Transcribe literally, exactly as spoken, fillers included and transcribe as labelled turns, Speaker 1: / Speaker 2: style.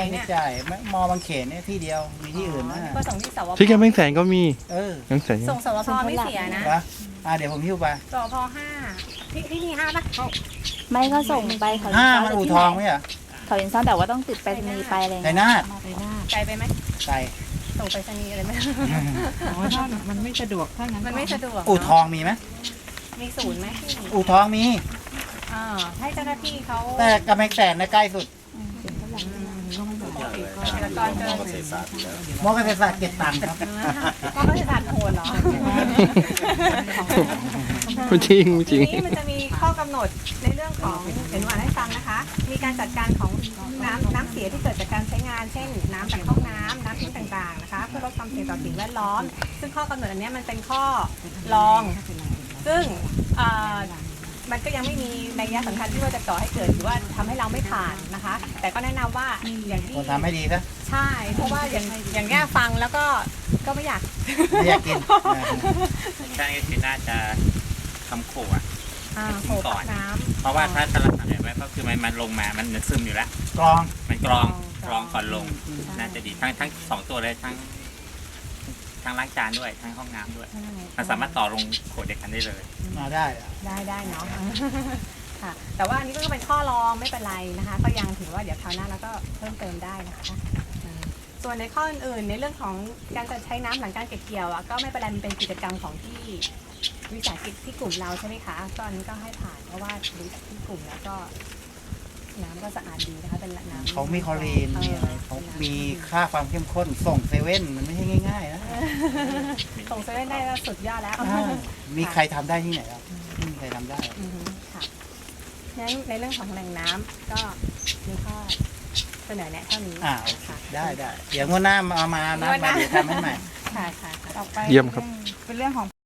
Speaker 1: เนี่ย
Speaker 2: ใช่ไม่มอบางเขนเนี่ยที่เดียวมีที่อื่นนะ
Speaker 1: ก็ส่งที่สวพ
Speaker 3: ที่กำแพงแสนก็มี
Speaker 2: เออ
Speaker 3: ยังแสน
Speaker 1: ส่งสวพไม่เสียนะ
Speaker 2: นะอ่าเดี๋ยวผมหิ้วไป
Speaker 1: สวพห้าพี่พี่มีห้าปะ
Speaker 4: ไม่ก็ส่งไปเขา
Speaker 2: ห้ามันอู่ทองไหมอ่ะ
Speaker 4: เขาอินซ่อนแต่ว่าต้องติดไปรษณีย์ไปอะไร
Speaker 2: ไช
Speaker 4: เงี้ย
Speaker 2: นาท
Speaker 1: ไกลไปไหม
Speaker 2: ไก่
Speaker 1: ส่งไปรษณีย์อะไรไหม
Speaker 5: อ๋อถ้ามันไม่สะดวกถ้างั้น
Speaker 1: มันไม่สะดวก
Speaker 2: อู่ทองมีไหม
Speaker 1: มีศูนย์ไหม
Speaker 2: อู่ทองมี
Speaker 1: อ่าให้เจ้าหน้าที่เขา
Speaker 2: แต่กำแพงแสนนะใกล้สุด
Speaker 1: เกษตรกรเจอ
Speaker 2: มอเกษตรศาสตร์เก็บตังค์ครับ
Speaker 1: ก็เขาจะตัดโหดเหรอ
Speaker 3: ไม่จริงไม่จ
Speaker 1: ที
Speaker 3: ริง
Speaker 1: นี้มันจะมีข้อกำหนดในเรื่องของเห็นว่าให้ฟังนะคะ มีการจัดการของน้ำน้ำเสียที่เกิดจากการใช้งาน เช่น น้ำจากห้องน้ำน้ำทิ้งต่างๆนะคะเพื่อลดความเสี่ยงต่อสิ่งแวดล้อม ซึ่งข้อกำหนดอันเนี้ยมันเป็นข้อรอง ซึ่งเอ่อมันก็ยังไม่มีนัยสำคัญที่ว่าจะก่อให้เกิดหรือว่าทำให้เราไม่ผ่านนะคะ แต่ก็แนะนำว่าอย่างที่
Speaker 2: คนทำให้ดีนะ
Speaker 1: ใช่ เพราะว่าอย่างอย่างแง่ฟังแล้วก็ก็ไม่อยาก
Speaker 2: ไม่อยากกิน
Speaker 6: ใช่ก็คือน่าจะทำโขอ่ะ
Speaker 1: อ่าโขกน้ำ
Speaker 6: เพราะว่าถ้าถ้าเราทำแบบไว้ก็คือมันมันลงมามันซึมอยู่แล้ว
Speaker 2: กรอง
Speaker 6: มันกรอง
Speaker 1: ก
Speaker 6: ก
Speaker 1: ร
Speaker 6: ร
Speaker 1: อ
Speaker 6: อง งก่อนลง
Speaker 1: ใช่
Speaker 6: น่าจะดีทั้งทั้งสองตัวเลยทั้งทั้งล้างจานด้วยทั้งห้องน้ำด้วย มันสามารถต่อลงโขดเดียวกันได้เลย
Speaker 2: มาได้อะ
Speaker 1: ได้ได้เนาะ ค่ะ แต่ว่าอันนี้ก็เป็นข้อรองไม่เป็นไรนะคะ ก็ยังถือว่าเดี๋ยวคราวหน้าเราก็เพิ่มเติมได้นะคะอืมส่วนในข้ออื่นๆในเรื่องของการจะใช้น้ำหลังการเก็บเกี่ยวอ่ะก็ไม่เป็นไรมันเป็นกิจกรรมของที่วิสาหกิจที่กลุ่มเราใช่ไหมคะก็อันนี้ก็ให้ผ่านเพราะว่าดูจากที่กลุ่มแล้วก็ น้ำก็สะอาดดีนะคะเป็นน้ำ
Speaker 2: เขามีคลอรีนมีอะไรเขามีค่าความเข้มข้นส่งเซเว่นมันไม่ใช่ง่ายๆนะ
Speaker 1: ส่งเซเว่นได้ก็สุดยอดแล้ว
Speaker 2: อ่ามีใครทำได้ที่ไหนครับไม่มีใครทำได้
Speaker 1: อือฮึค่ะงั้นในเรื่องของแหล่งน้ำก็มีข้อเสนอแนะเท่านี้
Speaker 2: อ่าโอเค
Speaker 1: ค่ะ
Speaker 2: ได้ได้เดี๋ยวงวดหน้ามาเอามานะมาเดี๋ยวทำให้ใหม่
Speaker 1: ค่ะค่ะค่ะ
Speaker 5: ต่อไป
Speaker 3: เยี่ยมครับ
Speaker 5: เป็นเรื่องของ